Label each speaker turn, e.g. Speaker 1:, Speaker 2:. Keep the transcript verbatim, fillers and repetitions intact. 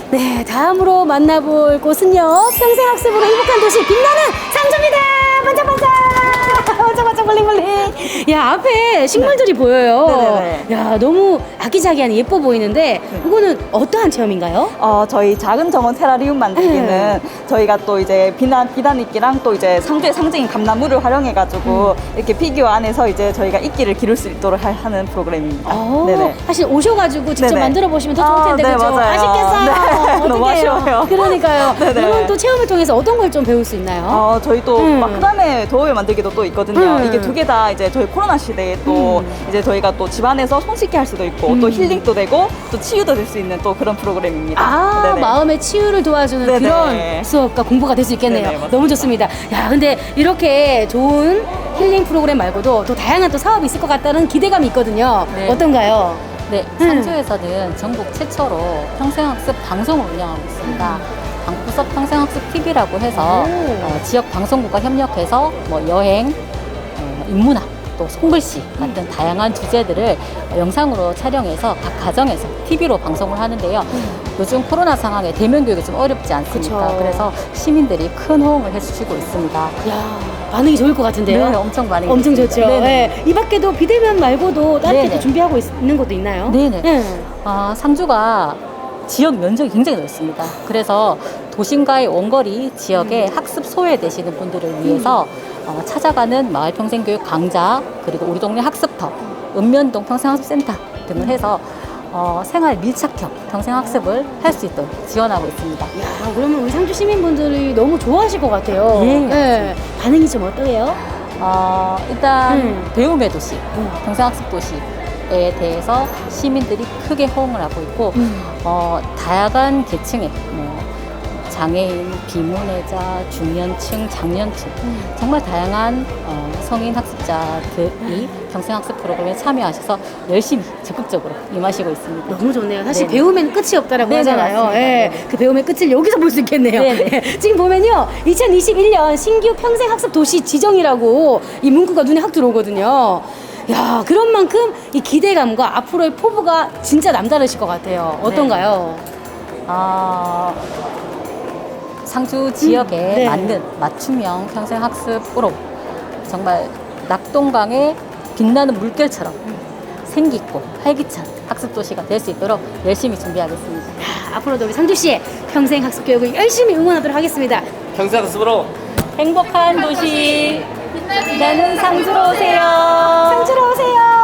Speaker 1: 네, 다음으로 만나볼 곳은요. 평생학습으로 행복한 도시 빛나는 상주입니다. 반짝반짝. 반짝반짝 블링블링. 야, 앞에 식물들이 보여요.
Speaker 2: 네네네.
Speaker 1: 야, 너무 아기자기한 예뻐 보이는데 이거는 어떠한 체험인가요?
Speaker 2: 어, 저희 작은 정원 테라리움 만들기는
Speaker 1: 네.
Speaker 2: 저희가 또 이제 비단, 비단이끼랑 또 이제 상주의 상징인 감나무를 활용해가지고
Speaker 1: 음.
Speaker 2: 이렇게 피규어 안에서 이제 저희가 이끼를 기를 수 있도록 하- 하는 프로그램입니다.
Speaker 1: 어,
Speaker 2: 네네.
Speaker 1: 사실 오셔가지고 직접
Speaker 2: 네네.
Speaker 1: 만들어 보시면 더 좋을
Speaker 2: 아,
Speaker 1: 텐데
Speaker 2: 네,
Speaker 1: 그죠?
Speaker 2: 맞아요.
Speaker 1: 아쉽겠어요.
Speaker 2: 네, 너무
Speaker 1: 어떡해요?
Speaker 2: 아쉬워요.
Speaker 1: 그러니까요.
Speaker 2: 네네.
Speaker 1: 이번 또 체험을 통해서 어떤 걸 좀 배울 수 있나요?
Speaker 2: 어, 저희 또
Speaker 1: 음.
Speaker 2: 마크라메 도어웨어 만들기도 또 있거든요.
Speaker 1: 음.
Speaker 2: 이게 두 개 다 이제 저희 코로나 시대에 또
Speaker 1: 음.
Speaker 2: 이제 저희가 또 집안에서 손 씻게 할 수도 있고
Speaker 1: 음.
Speaker 2: 또 힐링도 되고 또 치유도 될 수 있는 또 그런 프로그램입니다.
Speaker 1: 아,
Speaker 2: 네네.
Speaker 1: 마음의 치유를 도와주는
Speaker 2: 네네.
Speaker 1: 그런 수업과 공부가 될 수 있겠네요.
Speaker 2: 네네, 맞습니다.
Speaker 1: 너무 좋습니다. 야, 근데 이렇게 좋은 힐링 프로그램 말고도 또 다양한 또 사업이 있을 것 같다는 기대감이 있거든요.
Speaker 3: 네.
Speaker 1: 어떤가요?
Speaker 3: 네,
Speaker 1: 음.
Speaker 3: 상주에서는 전국 최초로 평생학습 방송을 운영하고 있습니다. 방구석 평생학습 티비라고 해서
Speaker 1: 오.
Speaker 3: 어, 지역 방송국과 협력해서 뭐 여행, 어, 인문학, 또 손글씨 같은
Speaker 1: 음.
Speaker 3: 다양한 주제들을 영상으로 촬영해서 각 가정에서 티비로 방송을 하는데요. 요즘 코로나 상황에 대면 교육이 좀 어렵지 않습니까?
Speaker 1: 음. 그쵸.
Speaker 3: 그래서 시민들이 큰 호응을 해주시고 있습니다.
Speaker 1: 야, 반응이 좋을 것 같은데요.
Speaker 3: 네, 엄청 많이
Speaker 1: 엄청
Speaker 3: 있습니다.
Speaker 1: 좋죠.
Speaker 3: 네네.
Speaker 1: 네. 이 밖에도 비대면 말고도 다른
Speaker 3: 네네.
Speaker 1: 게 준비하고 있, 는 것도 있나요?
Speaker 3: 네네.
Speaker 1: 네.
Speaker 3: 아, 상주가 지역 면적이 굉장히 넓습니다. 그래서 도심과의 원거리 지역에 학습 소외되시는 분들을 위해서 어, 찾아가는 마을평생교육 강좌, 그리고 우리 동네 학습터, 읍면동 평생학습센터 등을 해서 어, 생활 밀착형 평생학습을 할 수 있도록 지원하고 있습니다.
Speaker 1: 야, 그러면 우리 상주 시민분들이 너무 좋아하실 것 같아요.
Speaker 3: 예,
Speaker 1: 네. 반응이 좀 어떠해요?
Speaker 3: 어, 일단
Speaker 1: 음.
Speaker 3: 배움의 도시,
Speaker 1: 음.
Speaker 3: 평생학습 도시에 대해서 시민들이 크게 호응을 하고 있고
Speaker 1: 음.
Speaker 3: 어, 다양한 계층의 뭐, 장애인, 비문의자, 중년층, 장년층 정말 다양한 어, 성인 학습자들이 평생학습 프로그램에 참여하셔서 열심히 적극적으로 임하시고 있습니다.
Speaker 1: 너무 좋네요. 사실
Speaker 3: 네.
Speaker 1: 배움에는 끝이 없다라고
Speaker 3: 네네,
Speaker 1: 하잖아요.
Speaker 3: 맞습니다.
Speaker 1: 예,
Speaker 3: 네.
Speaker 1: 그 배움의 끝을 여기서 볼 수 있겠네요.
Speaker 3: 네네.
Speaker 1: 예, 지금 보면요, 이천이십일 년 신규 평생학습 도시 지정이라고 이 문구가 눈에 확 들어오거든요. 야, 그런 만큼 이 기대감과 앞으로의 포부가 진짜 남다르실 것 같아요. 어떤가요?
Speaker 3: 아, 상주 지역에
Speaker 1: 음, 네.
Speaker 3: 맞는 맞춤형 평생학습으로 정말 낙동강의 빛나는 물결처럼 생기있고 활기찬 학습 도시가 될 수 있도록 열심히 준비하겠습니다.
Speaker 1: 야, 앞으로도 우리 상주시의 평생학습 교육을 열심히 응원하도록 하겠습니다.
Speaker 4: 평생학습으로
Speaker 3: 행복한 도시 빛나는 상주로 오세요.
Speaker 1: 상주로 오세요.